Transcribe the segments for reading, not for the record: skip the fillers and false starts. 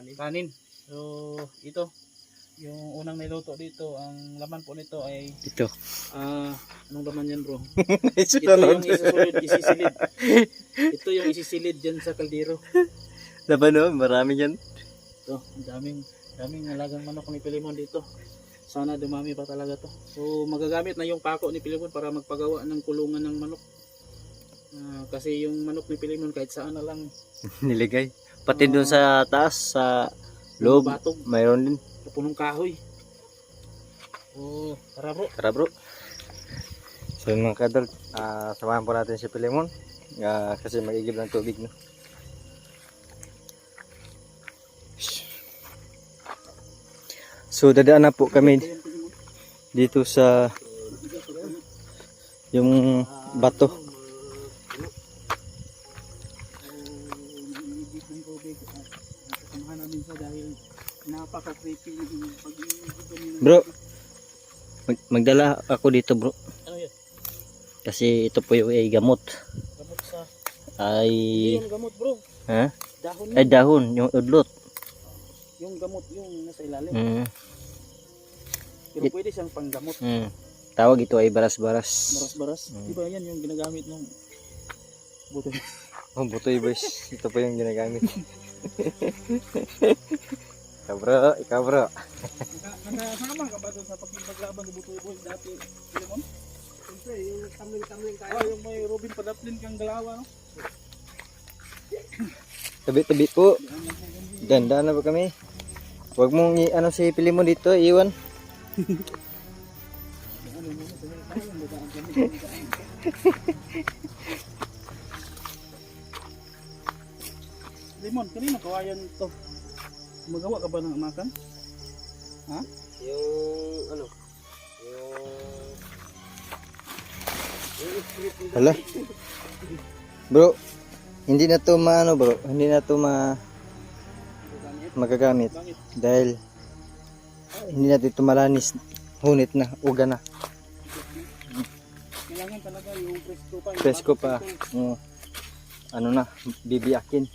kanin. So ito yung unang niluto dito, ang laman po nito ay Ito. anong laman yan bro? Ito Sunod. yung isisilid. Ito yung isisilid dyan sa kaldero. Laban no, marami yan. Ito, daming alagang manok ni Pilimon dito. Sana dumami pa talaga to. So magagamit na yung pako ni Pilimon para magpagawa ng kulungan ng manok. Kasi yung manok ni Pilimon kahit saan na lang Niligay. Pati doon sa taas, sa loob, batog, mayroon din. punong kahoy. Oh, tara bro. Tara bro. So mga kadol, samahan po natin si Pilimon. Kasi mag-igib ng tubig. No? So dadaan na po kami dito sa yung bato. Samahan namin siya dahil napaka-creepy yung pag-iigib. Bro, magdala ako dito bro. Ano yun? Kasi ito po yung gamot. Gamot sa... Ay... Hindi yung gamot bro. Ha? Dahon Ay yun. dahon, yung udlot. Yung gamot yung nasa ilalim. Pero pwede siyang panggamot. Tawag ito ay baras-baras. Baras-baras. Diba yan yung ginagamit ng buto. Oh, butoy boys. Ito po yung ginagamit. Ikaw bro. Nakasama ka ba doon sa paglaban ng butoy boys dati? Pilimon? Siyempre, yung tamling-tamling tayo. Yung may Robin Padaplin kang galawa, no? Tabi-tabi po. Ganda na ba kami? Huwag mong ano si Pilimon dito, iwan. Limon, kanina kawayan to. Magawa ka ba ng makan? Ha? Yung ano? Hala. Bro, hindi na to maano bro, hindi na to magagamit Bakit? dahil hindi natin ito malanis, hunit na, uga na. Kailangan talaga yung presko pa. Presko pa. Ano na, bibiyakin.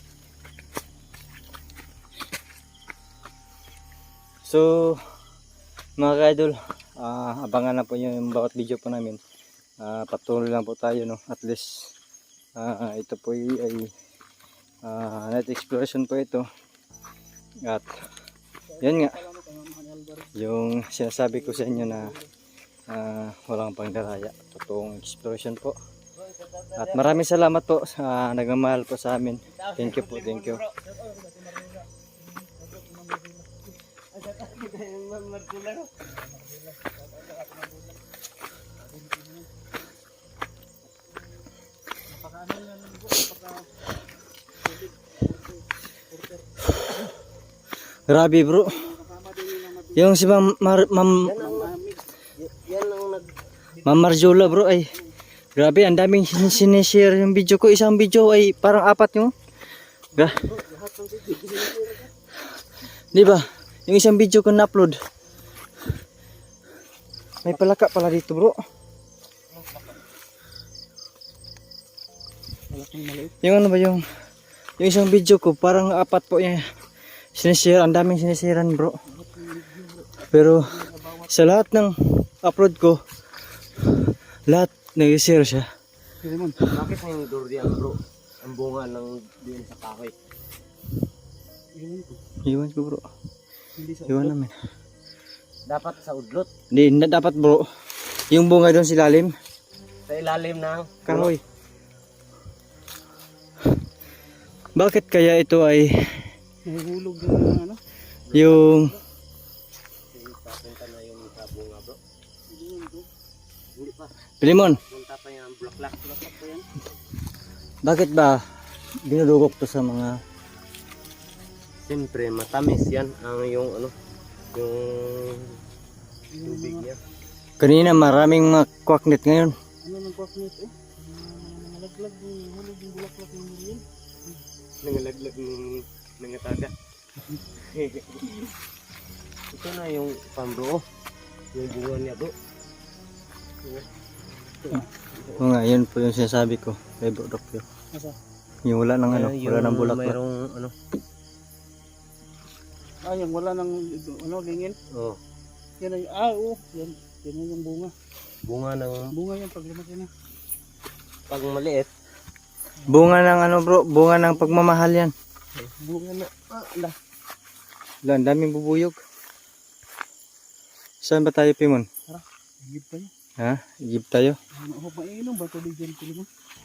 So, mga ka-idol, abangan na po yung bawat video po namin. Patuloy lang po tayo, no? At least, ito po ay night exploration po ito. At, yan nga, yung sinasabi ko sa inyo na walang pangdaraya. Totoong exploration po. At maraming salamat po sa nagmamahal po sa amin. Thank you po, thank you. Grabe bro. Yung si Ma'am Marjola bro ay grabe, ang daming sinishare yung video ko. Isang video ay parang 4 yung. Di ba? Yung isang video ko na-upload. May palaka pala dito bro. Yung ano ba yung isang video ko parang 4 po yung sinishare. Ang daming sinisharean bro. Pero sa lahat ng upload ko, lahat nag-share siya. Bakit na yung durian bro? Ang bunga ng diyan sa kahoy. Iwan ko bro. Iwan namin. Dapat sa udlot. Hindi na dapat bro. Yung bunga doon sa ilalim. Sa ilalim ng Kahoy. Bakit kaya ito ay Nahuhulog yung ano? yung papunta na yung sa bunga bro. Hindi pa. Pilimon? Punta pa yung bulaklak pa yan. Bakit ba dinudugok to sa mga Siyempre matamis yan ang yung ano yung tubig niya. kanina maraming mga kwaknet ngayon. Ano nang kwaknet eh? Nalaglag yung hulog yung bulaklak ng muriel. Nangalaglag ng nangataga. Ito na yung pan bro. Yung bunga niya bro. O nga, yun po yung sinasabi ko kay Bro Dokyo. Asa? Yung wala ng ano, wala ng bulaklak. Mayroong ano yung wala nang lingin. Oh, Yan ay yan. Yan na yung bunga. bunga ng Bunga yan pag lumaki na. pag maliit. Bunga ng ano bro, bunga ng pagmamahal yan. Bunga na. Ala. Wala, ang daming bubuyog. Saan ba tayo, Pimon? Higit pa yan. Ha? Igib tayo. Mainom ba tubig dyan Pilimon?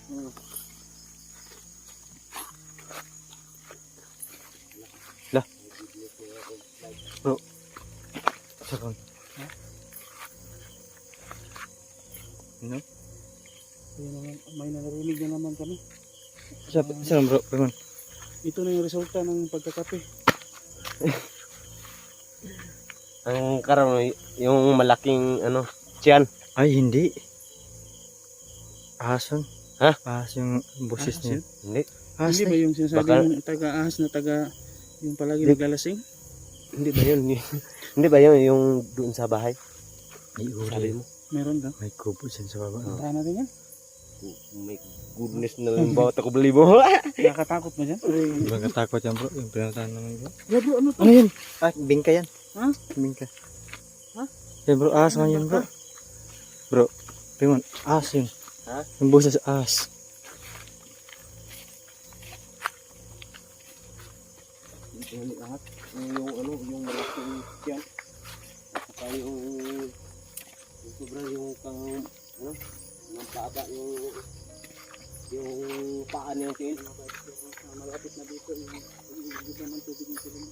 Lah. Bro. Sakon. Ano? May narinig na naman kami. Saan bro, Pimon? Ito na yung resulta ng pagkakape. Ang karam yung malaking tiyan. Ay, hindi. Ahason. Ha? Ahas yung boses niya. Hindi. Ahas Hindi ba yung sinasabi Baka- yung taga-ahas na yung palagi Hindi. naglalasing? Hindi ba yun? Hindi ba yun yung doon sa bahay? May Sabi uri. mo. Meron ka? May kubo dyan sa baba. Tahan natin yan. My goodness na lang bawat ako beli mo. Nakakatakot mo dyan? Ibang katakot yan bro. Yung pinuntahan naman bro. Yeah bro, ano to? Ano yun? Ah, bingka yan. Ha? Bingka. Ha? Yan bro, ahas man yun bro. Bro, Pimon, ahas yun. Ha? Yung boses ahas. Yung angat. Yung malaking tiyan. At saka yung sobrang yung yung paaba yung paa niyang tiil. Malapit na dito yung pag-ibig naman tubig ng Pilimon.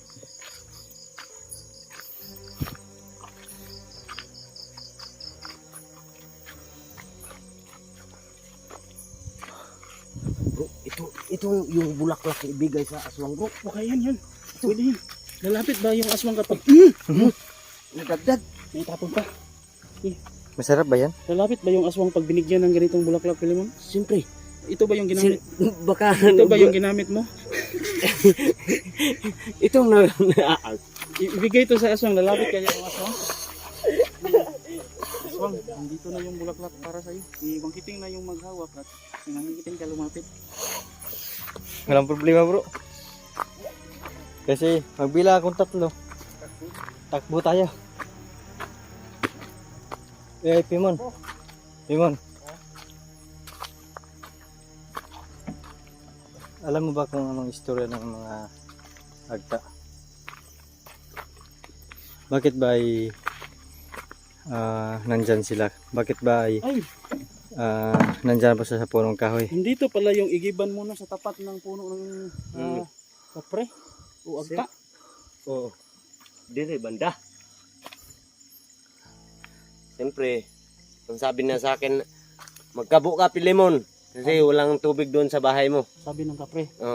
Bro, ito yung bulaklak na ibigay sa aswang bro. Baka yan. Pwede yun. Lalapit ba yung aswang kapag Nadagdag. may tapon pa? Masarap ba yan? Lalapit ba yung aswang pag binigyan ng ganitong bulaklak Pilimon? Siyempre. Ito ba yung ginamit? Baka Ito ba yung ginamit mo? itong na Ibigay ito sa aswang. Lalapit kaya yung aswang? Aswang, nandito na yung bulaklak para sa'yo. Ibangkiting na yung maghawak at nangikiting ka lumapit. Walang problema bro. Kasi magbila akong 3. Takbo tayo. Eh, Pimon. Pimon. Alam mo ba kung anong istorya ng mga agta? Bakit ba ay nandyan sila? Bakit ba ay Ay, nandyan pa sa punong kahoy? nandito pala yung igiban muna sa tapat ng puno ng kapre o agta. Oo. Dire banda. Siyempre, ang sabi na sa akin, magkabo ka Pilimon kasi walang tubig doon sa bahay mo. Sabi ng kapre. Oo.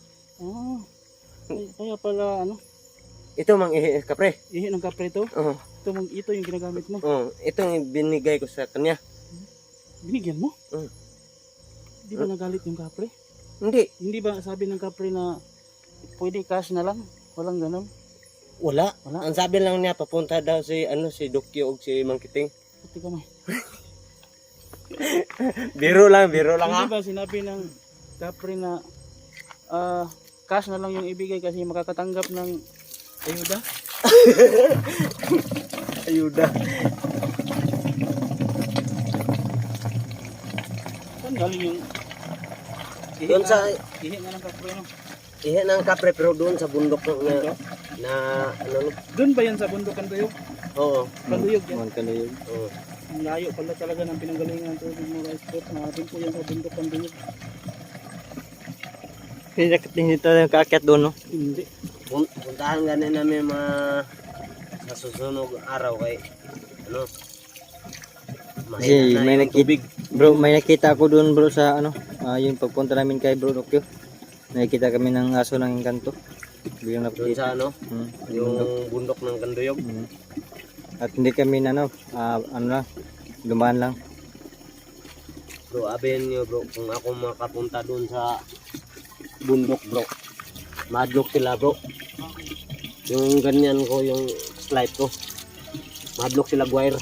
Kaya pala Ito mang kapre. ihi ng kapre to. Oo. Ito yung ginagamit mo. Oo. Itong binigay ko sa kanya. Binigyan mo? Mm. Di ba nagalit yung kapre? Hindi. Hindi ba sabi ng kapre na pwede cash na lang? Walang ganun. Wala. Wala. Ang sabi lang niya papunta daw si Dokyo o si Mangkiting. Puti ka may. Biro lang Hindi ba sinabi ng kapre na cash na lang yung ibigay kasi makakatanggap ng ayuda? Ayuda. Saan galing yung Doon sa ihi nga ng kapre no? ihe ng kapre pero doon sa bundok na Doon ba yan sa bundok Kanduyog? Oo. Kanduyog yan. Mga kaluyog. Oo. Ang layo pala talaga ng pinanggalingan ng tubig mo guys. Natin po yan sa bundok Kanduyog. Hindi tayo kaakyat doon, no? Hindi. Puntahan ganin namin sa susunod araw kay Kasi mahina may yung tubig. Bro, may nakita ako doon bro sa yung pagpunta namin kay Bro Dokyo. Nakikita kami ng aso ng kanto. Biglang Doon napakita. sa yung bundok ng Kanduyog. At hindi kami na dumaan lang. Bro, abayan nyo bro, kung ako makapunta doon sa bundok bro, madlock sila bro. Yung ganyan ko, yung slide ko, madlock sila guwire.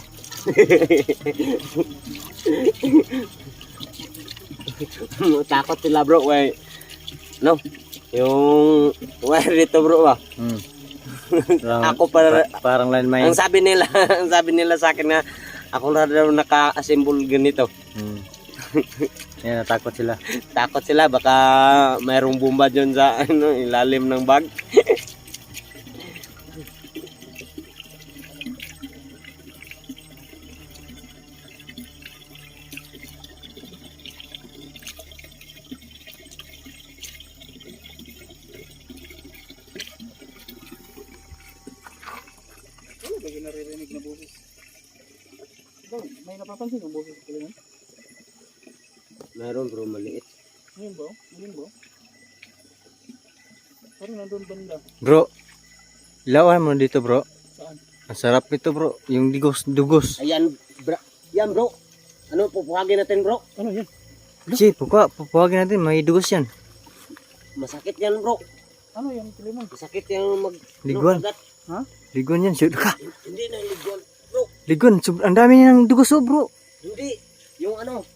Takot sila bro, yung wire dito bro ba? Ako para parang landmine. ang sabi nila, ang sabi nila sa akin na ako na daw naka-assemble ganito. Hmm. Yan, natakot sila. Takot sila baka mayroong bomba diyon sa ano, ilalim ng bag. Ano ba yung naririnig na boses? Ikaw, may napapansin ng boses sa Pilimon? Mayroon bro maliit. Ngayon ba? Ngayon ba? Parang nandun banda. Bro, ilawan mo dito bro. Saan? Ang sarap nito bro. Yung dugos. Ayan, yan bro. Ano pupuhagin natin bro? Ano yan? Si, pupuwagin natin. May dugos yan. Masakit yan bro. Ano yan Pilimon? Masakit yung Liguan. magat. Ha? Ligon yan. Shoot ka. Hindi na liguan bro. Ligon. Ang dami ng dugos oh bro. Hindi. Yung ano,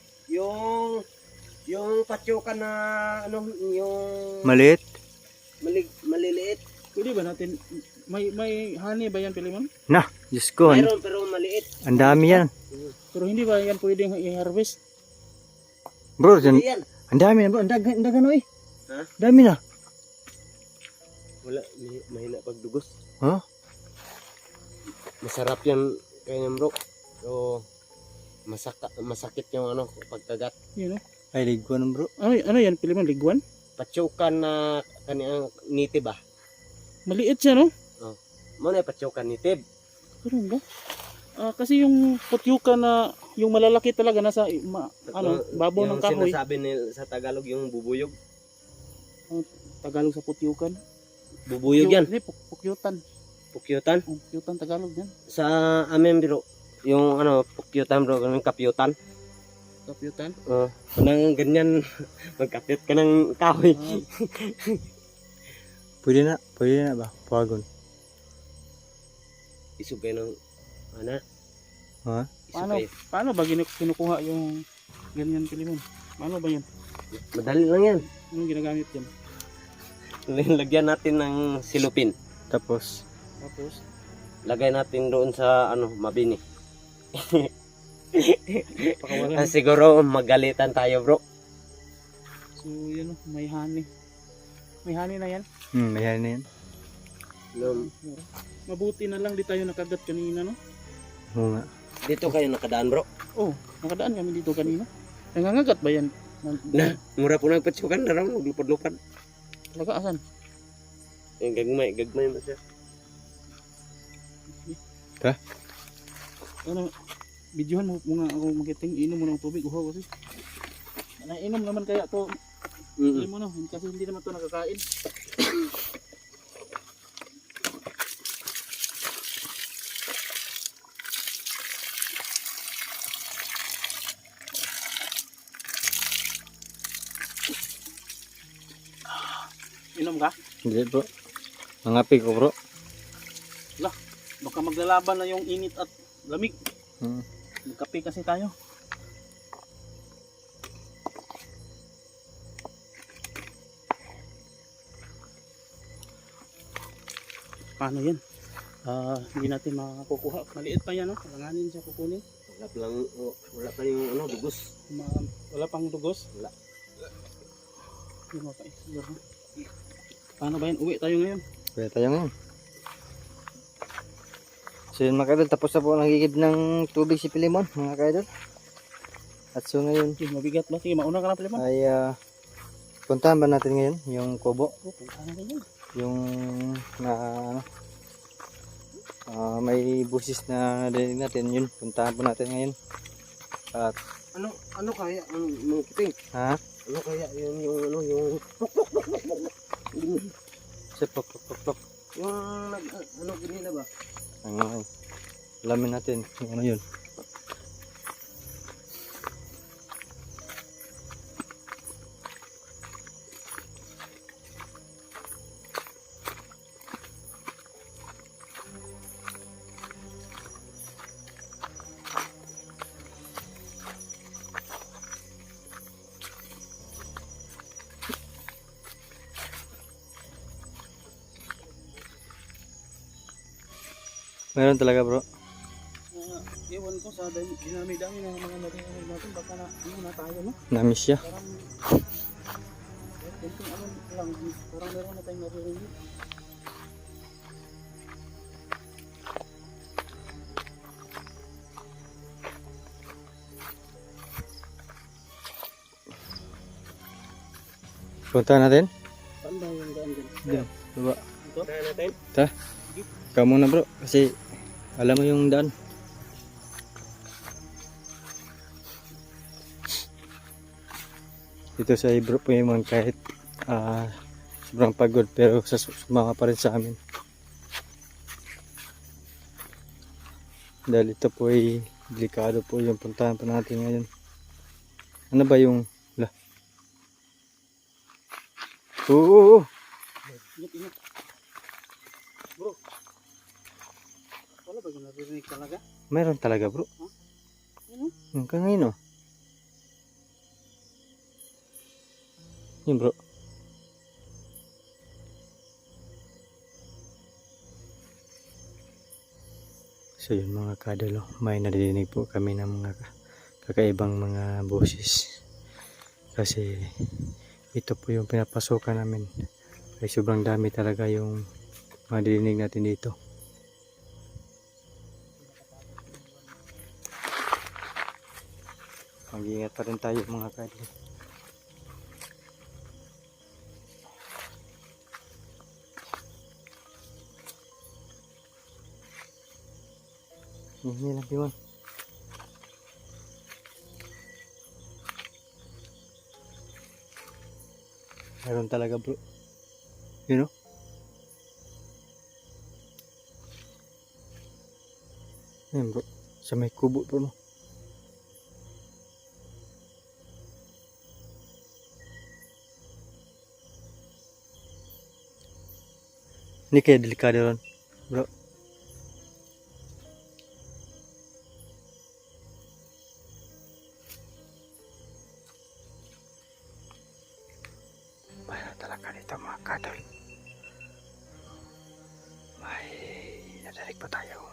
yung patyokan na ano, yung Maliit. maliliit. Pwede ba natin, may honey ba yan Pilimon? Nah, Diyos ko. Mayroon pero maliit. Ang dami yan. Pero hindi ba yan pwedeng i-harvest? Bro, dyan, Hindi yan. ang dami na bro. Ang dagan oh eh. Ha? Dami na. Wala, mahina pagdugos. Ha? Masarap yan kaya bro. So, masakit yung ano, pagkagat. Yun o. Ay, liguan bro. Ano yan Pilimon? Liguan? Patyokan na kaniyang nitib ah. Maliit siya no? Mo na patyokan nitib. Ganun ba? Kasi yung putyuka na yung malalaki talaga nasa babaw ng kahoy. Yung sinasabi nila sa Tagalog yung bubuyog. Tagalog sa putyukan. Bubuyog yan. Hindi, pukyutan. Pukyutan. Pukyutan Tagalog yan. Sa amin bro, yung ano, pukyutan bro, ganun kapyutan. Kapyutan. Nang ganyan, magkapyut ka ng kahoy. Pwede na ba? Puwagon. Isugay ng, ano? Ha? Isugay. Paano ba kinukuha yung ganyan Pilimon? Paano ba yan? Madali lang yan. Anong ginagamit yan? Lagyan natin ng silupin. Tapos, Lagay natin doon sa, ano, mabini. Pakawalan. Siguro magalitan tayo bro. So yun o, may honey. May honey na yan. mayroon na yan. Mabuti na lang di tayo nakagat kanina no? Oo nga. Dito kayo nakadaan bro. Oh, nakadaan kami dito kanina. Nangangagat ba yan? Na, mura po nagpatsukan na raw, maglupad-lupad. Talaga asan? Yung gagmay mo siya. Ano, videohan mo nga ako magiting, inom mo ng tubig, uhaw kasi. Nainom naman kaya to, hindi mo no, kasi hindi naman to nakakain. Inom ka? Hindi bro. Mangapi ko bro. Baka maglalaban na yung init at lamig. Hmm. Magkape kasi tayo. Paano yan? Hindi natin makukuha. Maliit pa yan, no? Kailanganin siya kukunin. Wala pa yung ano, dugos. Wala pang dugos? Wala. Hindi mo pa siguro. Paano ba yan? Uwi tayo ngayon. Pwede tayo ngayon. So yun mga kaidol, tapos na po nagigib ng tubig si Pilimon mga kaidol. At so ngayon Mabigat ba? Sige, mauna ka na pala. ay puntahan ba natin ngayon yung kubo? Puntahan na yan. Yung na may busis na narinig natin, yun puntahan po natin ngayon. At Ano kaya ang mga kiting? ha? Ano kaya yung ano yung Plok. yung ano ganila ba? Ang alamin natin yung ano yun. Meron talaga bro. Ewan ko sa dinami-dami ng mga narinig natin, baka na, ano na tayo, no? Namiss siya. Parang, kunting ano lang, parang meron na tayong naririnig. Punta natin. Saan ba yung daan dyan? Diyan. Baba. Ito? Kaya natin. Ta. Ikaw muna bro. Kasi alam mo yung daan. Dito sa Ibro po yung kahit sobrang pagod pero sumama pa rin sa amin. Dahil ito po ay delikado po yung puntahan pa natin ngayon. Ano ba yung Oo. Ingat, ingat. Bro, wala ba yung naririnig talaga? Meron talaga bro. Ano? Hanggang ngayon oh. Yun bro. So yun mga kadalo, may nadidinig po kami ng mga kakaibang mga boses. Kasi ito po yung pinapasukan namin. Ay sobrang dami talaga yung madidinig natin dito. Mag-iingat pa rin tayo mga kadalo. Hindi lang yun. Meron talaga bro. You know? Ayan bro. Sa may kubo bro no. Ini kayak delikado ron bro. Mayroon talaga dito mga kadol. May nadalig pa tayo.